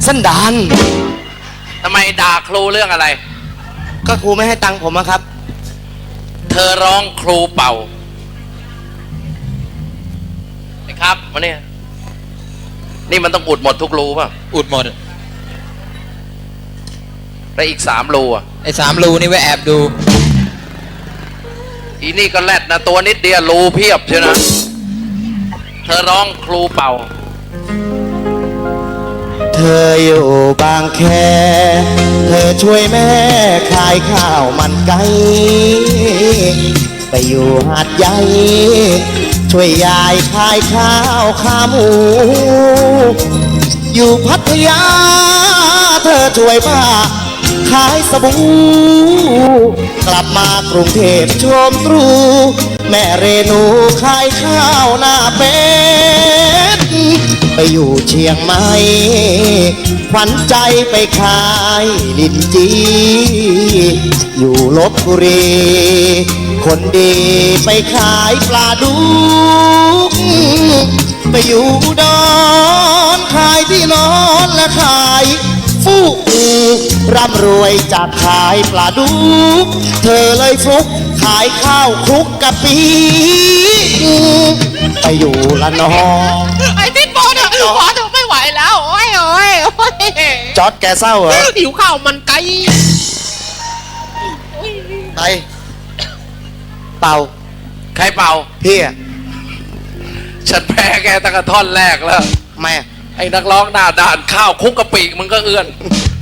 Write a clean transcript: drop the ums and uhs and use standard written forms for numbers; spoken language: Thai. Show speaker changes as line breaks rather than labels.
สันดาน
ทำไมด่าครูเรื่องอะไร
ก็ครูไม่ให้ตังค์ผมอะครับ
เธอร้องครูเป่าไอ้ครับมาเนี่ยนี่มันต้องอุดหมดทุกรูป่ะ
อุดหมด
แล้วอีก3 รูอ่ะ
ไอ้3 รูนี่ไว้แอบดู
อีนี่ก็แรดนะตัวนิดเดียวรูเพียบใช่นะ เธอร้องครูเป่า
เธออยู่บางแคเธอช่วยแม่ขายข้าวมันไก่ไปอยู่หาดใหญ่ช่วยยายขายข้าวขาหมู อยู่พัทยาเธอช่วยป้าขายสบู่กลับมากรุงเทพชมตรูแม่เรนูขายข้าวหน้าเป็ดไปอยู่เชียงใหม่ขวัญใจไปขายลิ้นจีอยู่ลบบุรีคนดีไปขายปลาดุกไปอยู่ดอนขายที่นอนและขายฟูกร่ำรวยจากขายปลาดุกเธอเลยฟลุกขายข้าวคลุกกะปิไปอยู่ละนอง
ไอ้ติ๊ดบอลเนี่ยขอเธอไม่ไหวแล้วโอ้ย
จอร์ดแกเศร้าเหรอ
หิวข้าวมันไก่
ไปเป่า
ใครเป่า
พี่อะ
ฉันแพ้แกตั้งแต่ท่อนแรกแล้ว
แม่
ไอ้นักร้องหน้าด่านข้าวคุกกะปิมึงก็เอื้อน